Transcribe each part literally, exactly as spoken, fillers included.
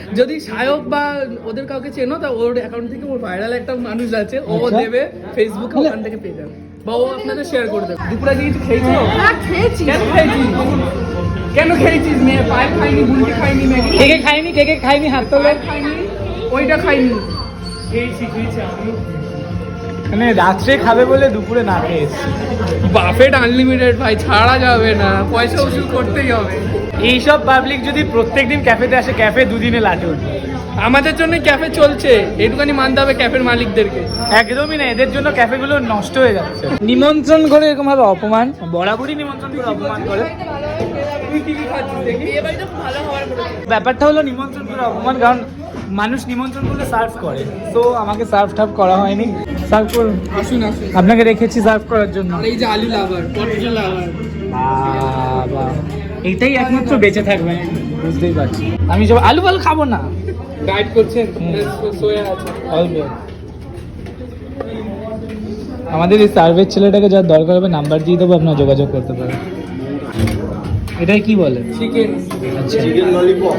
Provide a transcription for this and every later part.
যদি সায়ক বা ওদের কাউকে চেনো তা ওর অ্যাকাউন্ট থেকে ওর ভাইরাল একটা মানুষ আছে, ও দেবে ফেসবুকে, ওখান থেকে পেয়ে যাবে বা ও আপনাদের শেয়ার করে দেবে। দুপুরে গিয়ে কিছু খেয়েছো? হ্যাঁ খেয়েছি। কেন খেয়েছিস? কেন খেয়েছিস? মেয়ে পায়ে খাইনি, বুলটি খাইনি, ম্যাগি কে কে খাইনি, কে কে খাইনি হাত তোলে। খাইনি, ওইটা খাইনি। খেয়েছি খেয়েছি মানে রাত্রে খাবে বলে দুপুরে না খেয়েছি। বাফেট আনলিমিটেড ভাই, ছাড়া যাবে না, পয়সা উসুল করতেই হবে। এইসব পাবলিক যদি প্রত্যেকদিন ক্যাফেতে আসে, ক্যাফে দুদিনে লাটে উঠবে। আমাদের জন্য ক্যাফে চলছে, এটুখানি মানতে হবে ক্যাফের মালিকদেরকে। একদমই না, এদের জন্য ক্যাফেগুলো নষ্ট হয়ে যাচ্ছে। নিমন্ত্রণ করে এরকম ভাবে অপমান, বরাবরই নিমন্ত্রণ করে অপমান করে। তুই কি কি খাচ্ছিস দেখি? ব্যাপারটা হলো নিমন্ত্রণ করে অপমান, কারণ মানুষ নিমন্ত্রণ করলে সার্ভ করে, তো আমাকে সার্ভ টার্ভ করা হয়নি। সার্ভ করুন, আসুন আসুন, আপনাকে রেখেছি সার্ভ করার জন্য। আর এই যে আলু লাভার, পটেটো লাভার, বাবা এইটাই একমাত্র বেঁচে থাকবে, বুঝতেই পারছি। আমি সব আলু আলু খাবো না। ডায়েট করছেন, হুম। সোয়া আছে অল্প। আমাদের এই সার্ভের ছেলেটাকে যার দরকার হবে নাম্বার দিয়ে দেবো, আপনারা যোগাযোগ করতে পারেন। এটাই কি বলে? চিকেন, আচ্ছা, চিকেন ললিপপ।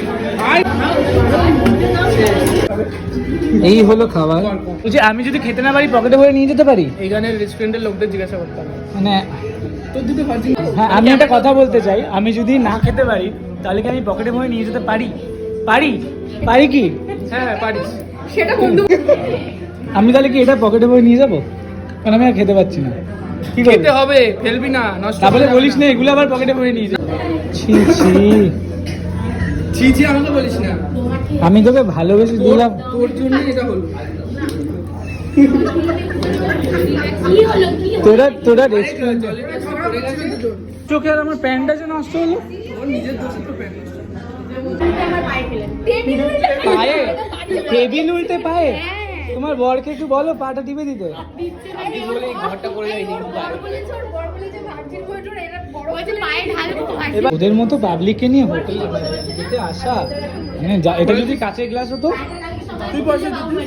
এই হলো খাবার। বলছি আমি যদি খেতে না পারি পকেটে ভরে নিয়ে যেতে পারি? এইখানে রেস্টুরেন্টের লোকদের জিজ্ঞাসা করতে হবে। মানে তোর দিতে পারছি? হ্যাঁ, আমি একটা কথা বলতে চাই, আমি যদি না খেতে পারি তাহলে কি আমি পকেটে ভরে নিয়ে যেতে পারি? পারি পারি কি? হ্যাঁ হ্যাঁ পারিস। সেটা বন্ধু আমি তাহলে কি এটা পকেটে ভরে নিয়ে যাবো? কারণ আমি আর খেতে পাচ্ছি না। কি খেতে করতে হবে, ফেলবি না, নষ্ট তাহলে করবি বলিস না এগুলো আবার পকেটে ভরে নিয়ে যাবো। ছি ছি, ছি ছি আমাকে বলিস না, আমি তোকে ভালোবেসে তোর দিলাম, তোর জন্য এটা হলো। তোরা তোরা রেস্টুরেন্ট জলের কাছে পড়ে গেছে তো তোর। চোখে আর আমার প্যান্টটা যে নষ্ট হলো। ওর নিজের দোষে তো প্যান্ট নষ্ট। পায়ে টেবিল উল্টে পায়ে। তোমার বরকে একটু বলো পাটা টিপে দিতে। আপনি বলে এই ঘরটা পড়ে যায়নি। এবার ওদের মতো পাবলিককে নিয়ে হোটেলে খেতে আসা, মানে যা- এটা যদি কাঁচের গ্লাস হতো তুই পয়সা দিবি?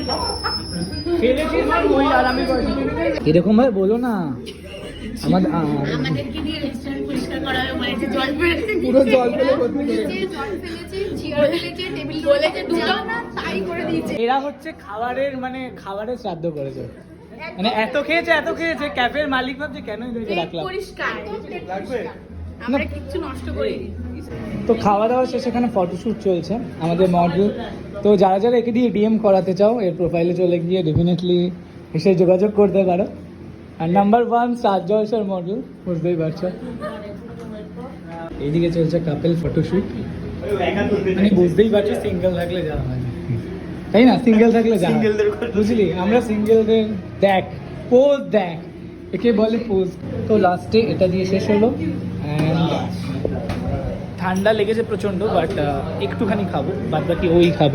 এরকম ভাবে বলো না। আমাদের আ- আমাদেরকে দিয়ে রেস্টুরেন্ট পরিষ্কার করা হবে, মানে যে জল ফেলেছে, পুরো জল ফেলে ভর্তি করে ফেলেছে, জল ফেলেছে, চেয়ার ফেলেছে, টেবিল বলেছে দুটো না তাই করে দিয়েছে। এরা হচ্ছে খাবারের মানে খাবারের শ্রাদ্ধ করেছে, মানে এত খেয়েছে এত খেয়েছে ক্যাফের মালিক ভাবছে কেন এদেরকে রাখলাম। পরিষ্কার লাগবে। আমরা কিচ্ছু নষ্ট করিনি। তো খাওয়া দাওয়া শেষে এখানে ফটোশ্যুট চলছে আমাদের মডেল। তো যারা যারা একে দিয়ে ডিএম করাতে চাও এর প্রোফাইলে চলে গিয়ে ডেফিনেটলি এসে যোগাযোগ করতে পারো। আর নাম্বার ওয়ান স্টার জলসার মডেল, বুঝতেই পারছো। এইদিকে চলছে কাপেল ফটোশ্যুট, মানে বুঝতেই পারছো সিঙ্গেল থাকলে যাওয়া হয় না, তাই না? সিঙ্গেল থাকলে যাওয়া হয়। বুঝলি, আমরা সিঙ্গেলদের দেখ পোজ দেখ, একে বলে পোজ। তো লাস্টে এটা দিয়ে শেষ হলো। অ্যান্ড ঠান্ডা লেগেছে প্রচণ্ড, বাট একটুখানি খাবো, বাদ বাকি ওই খাবে।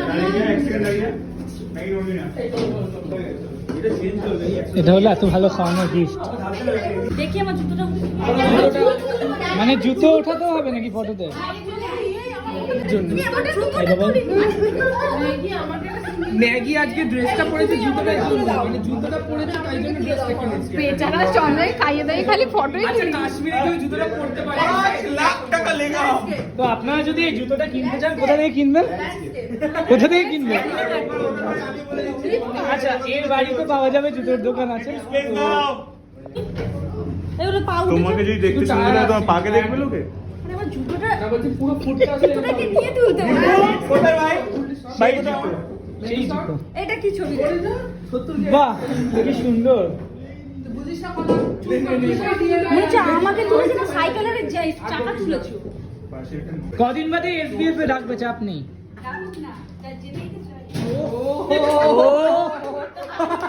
এটা হলো এত ভালো খাওয়ানোর গিফট। দেখি আমার জুতোটা মানে জুতো ওঠাতেও হবে নাকি ফটোতে? ম্যাগি আজকে ড্রেসটা পরেছে জুতোটা জন্য, মানে জুতোটা পরেছে তাই জন্য ড্রেসটা কিনেছে। বেচারা চন্দ্রাই খাইয়ে দেয় খালি ফটোই আচ্ছা কাশ্মীরে কেউ জুতোটা পরতে পারে? লাখ টাকা লেগা। তো আপনারা যদি এই জুতোটা কিনতে চান কোথা থেকে কিনবেন? কোথা থেকে কিনবেন? আচ্ছা, এর বাড়িতে পাওয়া যাবে, জুতোর দোকান আছে। তোমাকে যদি দেখতে সুন্দর লাগে তোমার পাকে দেখবে লোকে। আমার জুতোটা না বলছি পুরো ফুটটা আছে। জুতোটাকে নিয়ে তুলতে হবে। কোথায় ভাই? ভাই কোথায়? সেই জুতো। এটা কি ছবি? বাহ, কি সুন্দর। মনে হচ্ছে আমাকে তুলেছে না, সাইকেলের যে চাকা তুলেছো। কদিন বাদে এসবিএফ এ ডাকবে, চাপ নেই। না, যা জেনেই তো চাই। ও